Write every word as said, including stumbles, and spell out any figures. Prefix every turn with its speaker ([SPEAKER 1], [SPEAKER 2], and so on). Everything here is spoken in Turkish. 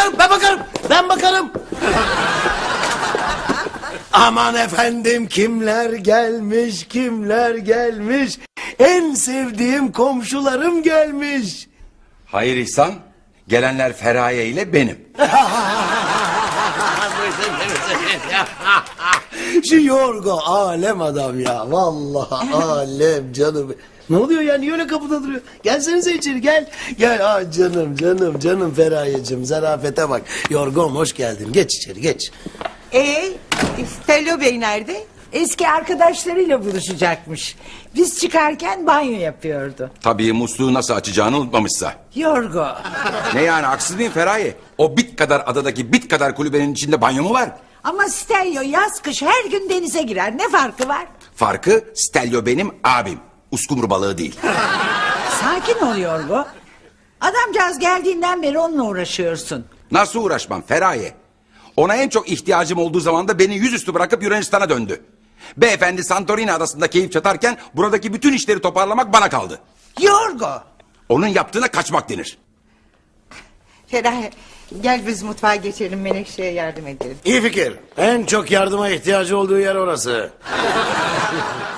[SPEAKER 1] bakarım, ben bakarım, ben bakarım. Aman efendim, kimler gelmiş, kimler gelmiş. En sevdiğim komşularım gelmiş.
[SPEAKER 2] Hayır İhsan, gelenler Feraye ile benim.
[SPEAKER 1] Şu Yorgo alem adam ya. Vallahi alem canım. Ne oluyor ya? Niye öyle kapıda duruyor? Gelsenize içeri, gel. Gel. Aa, canım canım canım Feraye'cim. Zarafete bak. Yorgom hoş geldin. Geç içeri, geç.
[SPEAKER 3] Ee, Stelio Bey nerede?
[SPEAKER 4] Eski arkadaşlarıyla buluşacakmış. Biz çıkarken banyo yapıyordu.
[SPEAKER 2] Tabii musluğu nasıl açacağını unutmamışsa.
[SPEAKER 4] Yorgo.
[SPEAKER 2] Ne yani, haksız mıyım Feraye? O bit kadar adadaki bit kadar kulübenin içinde banyo mu var?
[SPEAKER 4] Ama Stelio yaz kış her gün denize girer. Ne farkı var?
[SPEAKER 2] Farkı, Stelio benim abim. Uskumru balığı değil.
[SPEAKER 4] Sakin ol Yorgo. Adamcağız geldiğinden beri onunla uğraşıyorsun.
[SPEAKER 2] Nasıl uğraşmam Feraye? Ona en çok ihtiyacım olduğu zaman da beni yüzüstü bırakıp Yunanistan'a döndü. Beyefendi Santorini adasında keyif çatarken buradaki bütün işleri toparlamak bana kaldı.
[SPEAKER 4] Yorgo.
[SPEAKER 2] Onun yaptığına kaçmak denir.
[SPEAKER 3] Feraye, gel biz mutfağa geçelim, Menekşe'ye yardım edelim.
[SPEAKER 1] İyi fikir. En çok yardıma ihtiyacı olduğu yer orası.